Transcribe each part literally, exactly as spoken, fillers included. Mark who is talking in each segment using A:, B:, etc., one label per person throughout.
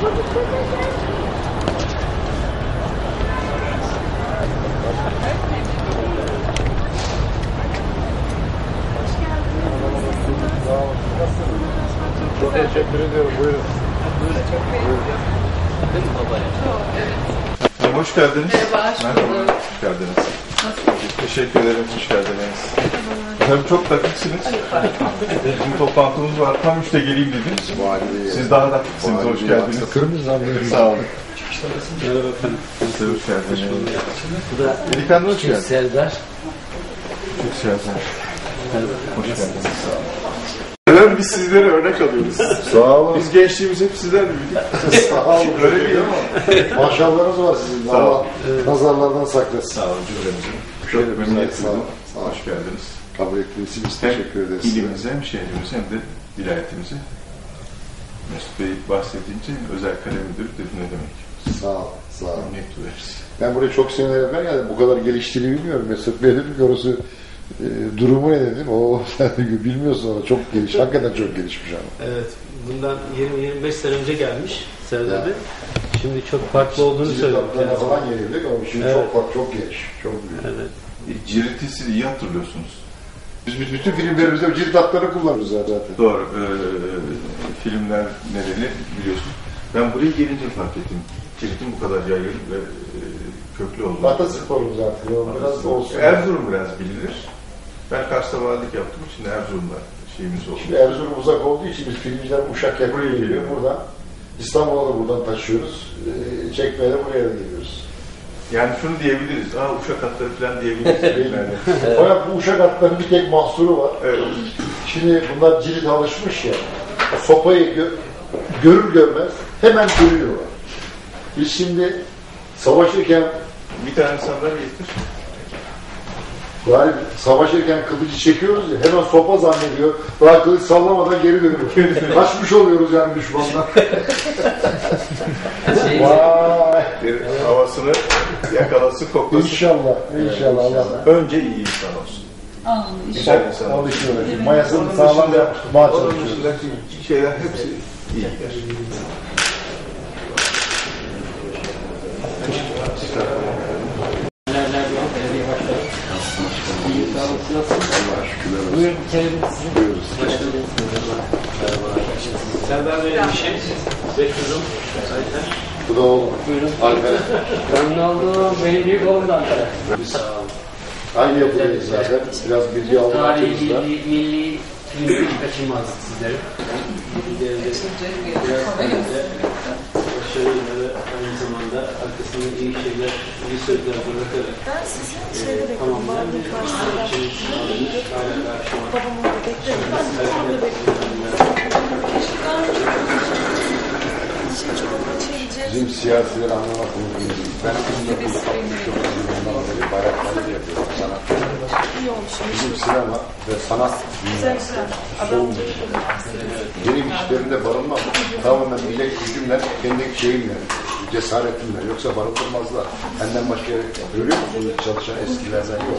A: Çok teşekkür ediyorum. Buyurun.
B: Değil mi babaya?
C: Çok, evet.
A: Hoş geldiniz.
C: Merhaba, hoş bulduk.
A: Hoş geldiniz.
C: Nasılsınız?
A: Teşekkür ederim. Hoş geldiniz. Tabii çok dakıksınız. Bizim toplantımız var. Tam üçte geleyim dediniz. Siz daha dakıksınız. Hoş geldiniz. Sağ olun.
B: Merhaba efendim.
A: Siz de hoş geldiniz.
B: Bu da
A: Delikanlı hoş geldiniz.
B: Serdar.
A: Çok siyasal. Hoş geldiniz. Sağ olun. Efendim biz sizlere örnek alıyoruz.
D: Sağ olun.
A: Biz gençliğimiz hep sizden büyüdük.
D: Sağ olun.
A: Öyle değil ama.
D: Maşallahınız var sizin.
A: Sağ olun.
D: Allah nazarlardan saklasın.
A: Sağ olun cümlemizin.
D: Çok
A: Çok memnuniyet
D: sağ olun.
A: duydum.
D: Sağ olun.
A: Hoş geldiniz.
D: Kabul ettiğiniz için biz
A: Hem
D: teşekkür ederiz.
A: ilimize hem şehrimize hem de vilayetimize. Mesut Bey bahsedince özel kalem müdürü dedim ne demek.
D: Sağ olun. Sağ olun.
A: Memnuniyet duyarız.
D: Ben buraya çok seneler evvel geldim. Bu kadar geliştiğini bilmiyorum. Mesut Bey dedim ki orası e, durumu ne dedim. O bilmiyorsun ona. Çok geliş. Hakikaten çok gelişmiş ama.
B: Evet, bundan yirmi yirmi beş sene önce gelmiş Serdar Bey. Şimdi çok farklı olduğunu söylüyor.
D: Cildaplarına falan gelirdik ama şimdi
B: Evet.
D: çok farklı, çok geniş. Çok büyük.
B: Evet.
A: E, Cirit'i siz iyi hatırlıyorsunuz.
D: Biz bütün filmlerimizde cirit hatları kullanırız zaten.
A: Doğru. E, filmler nedeni biliyorsunuz. Ben buraya gelince fark ettim. Cirit'in bu kadar yaygın ve e, köklü olduğunu.
D: Atasporumuz artık. Biraz da olsun.
A: Erzurum biraz bilinir. Ben Kars'ta valilik yaptım. Şimdi Erzurum'da şeyimiz oldu.
D: Şimdi Erzurum uzak olduğu için biz filmciler Uşak buraya geliyor. Buradan İstanbul'a da buradan taşıyoruz. Ee, çekmeye de buraya da geliyoruz.
A: Yani şunu diyebiliriz. Aa Uşak atları falan diyebiliriz. Yani.
D: Fakat bu Uşak atlarının bir tek mahsuru var.
A: Evet.
D: Şimdi bunlar cirit alışmış ya. Sopayı gö görür görmez hemen görüyorlar. Biz şimdi savaşırken
A: Bir tane sandalye getir.
D: yani savaşırken kılıcı çekiyoruz ya hemen sopa zannediyor. Daha kılıç sallamadan geri dönüyor. Kaçmış oluyoruz yani düşmandan.
B: Şey,
D: Vay.
A: Bir havasını yakalasın, koklasın.
D: İnşallah. İnşallah Allah.
A: Önce iyi insan olsun.
C: Aa,
A: Güzel insan olsun.
D: Alışıyor. Mayasını sağlam yapmaya
A: Onun
D: çalışıyoruz.
A: dışındaki şeyler hepsi iyi gider.
B: Buyurun, içelim sizi. Serdar Bey'in bir şey. Bekliyorum.
D: Bu da oğlum.
B: Buyurun.
D: Alper.
B: Memnun oldum. Benim büyük oğlum da Ankara.
D: Biz aynı yapıdayız zaten. Biraz bilgi almak
B: Tarihi,
D: açımızda.
B: milli, milli filmi kaçınmazdık sizlerin. Biraz önce başarıyla ve aynı zamanda arkasında iyi şeyler, iyi sözler bırakarak
C: ben sizin şeyde bekliyorum. Babamın karşısında. Babam orada bekliyorum. Ben de orada bekliyorum. Keşke daha önce şey çok açabileceğiz.
D: Bizim siyasileri anlamak mümkün değil. Ben kızımda kırk yılından beri bayrakları yapıyorum. Sanat.
C: İyi olmuş.
D: Bizim sinema ve sanat
C: Güzel güzel. Adam
D: benim işlerimde barınmam. Tamamen bilek gücümle, kendi şeyimle, cesaretimle. Yoksa barındırmazlar. Benden başka görüyor musunuz çalışan eskilerden yok.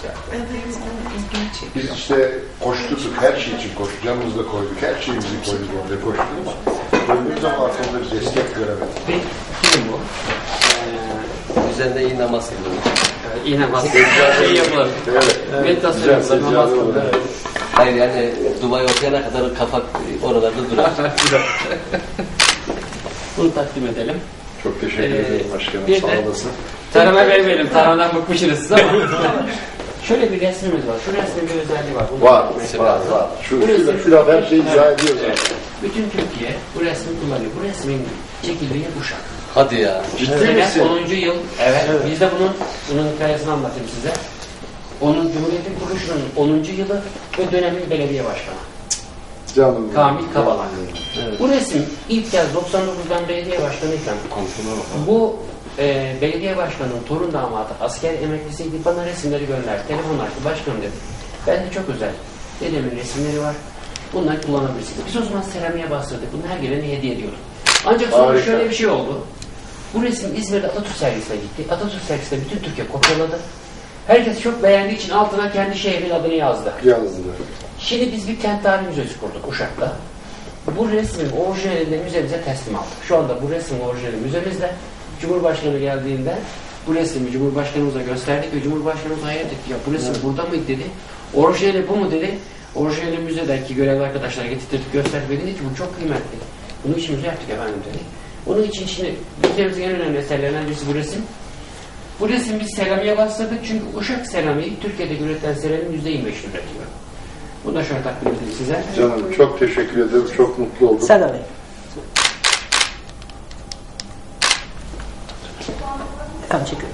D: Biz işte koşturduk, her şey için koştuk. Canımızı da koyduk, her şeyimizi koyduk orada koştuk ama döndüğümüz zaman arkamda bir destek göremedik.
B: Kim bu?
E: Ee, üzerinde iyi namaz kılıyor.
B: İyi namaz kılıyor. Şey yapılır.
D: Evet.
B: Meditasyon yapılır, namaz kılıyor.
E: Hayır yani duayı okuyana kadar kafa oralarda durar.
B: Bunu takdim edelim.
D: Çok teşekkür
B: Ee,
D: ederim başkanım,
B: bir
D: sağ
B: de-
D: olasın.
B: Tarhana vermeyelim, tarhanadan bıkmışsınız siz ama. Şöyle bir resmimiz var. Şu resmin bir özelliği var. Bunu
D: Var,
B: mesela
D: var,
B: lazım.
D: var. Şu,
B: Bu
D: şu,
B: resim-
D: şu laf her şeyi izah ediyor
B: Evet.
D: zaten.
B: Bütün Türkiye bu resmi kullanıyor. Bu resmin çekildiği Uşak.
E: Hadi ya.
D: Ciddi
B: Sene
D: misin?
B: onuncu yıl. Evet. Biz de bunun bunun hikayesini anlatayım size. Onun Cumhuriyet'in kuruluşunun onuncu yılı ve dönemin belediye başkanı.
D: Canım.
B: Kamil Kabalan. Evet. Bu resim ilk kez doksan dokuzdan belediye başkanıyken bu e, belediye başkanının torun damadı asker emeklisiydi. Bana resimleri gönderdi. Telefon açtı. Başkanım dedi. Ben de çok özel. Dedemin resimleri var. Bunları kullanabilirsiniz. Biz o zaman seramiğe bastırdık. Bunu her gelene hediye ediyorduk. Ancak sonra
D: Harika.
B: şöyle bir şey oldu. Bu resim İzmir'de Atatürk sergisine gitti. Atatürk sergisinde bütün Türkiye kopyaladı. Herkes çok beğendiği için altına kendi şehrin adını yazdı.
D: Yazdılar.
B: Şimdi biz bir kent tarihi müzesi kurduk Uşak'ta. Bu resmin orijinalini müzemize teslim aldık. Şu anda bu resmin orijinali müzemizde. Cumhurbaşkanı geldiğinde bu resmi Cumhurbaşkanımıza gösterdik ve Cumhurbaşkanımız hayret etti. Ya bu resim burada mıydı dedi. Orijinali bu mu dedi. Orijinali müzedeki görevli arkadaşlar getirdik gösterdik ve dedi ki bu çok kıymetli. Bunu işimize yaptık efendim dedi. Onun için şimdi müzemizin en önemli eserlerinden birisi bu resim. Bu resim biz seramiğe bastırdık çünkü Uşak seramiği Türkiye'de üretilen seramiğin yüzde yirmi beşini üretiyor. Bunu da şöyle takdim edeyim size.
D: Canım çok teşekkür ederim. Çok mutlu oldum.
F: Serdar Bey. Efendim çekiyorum.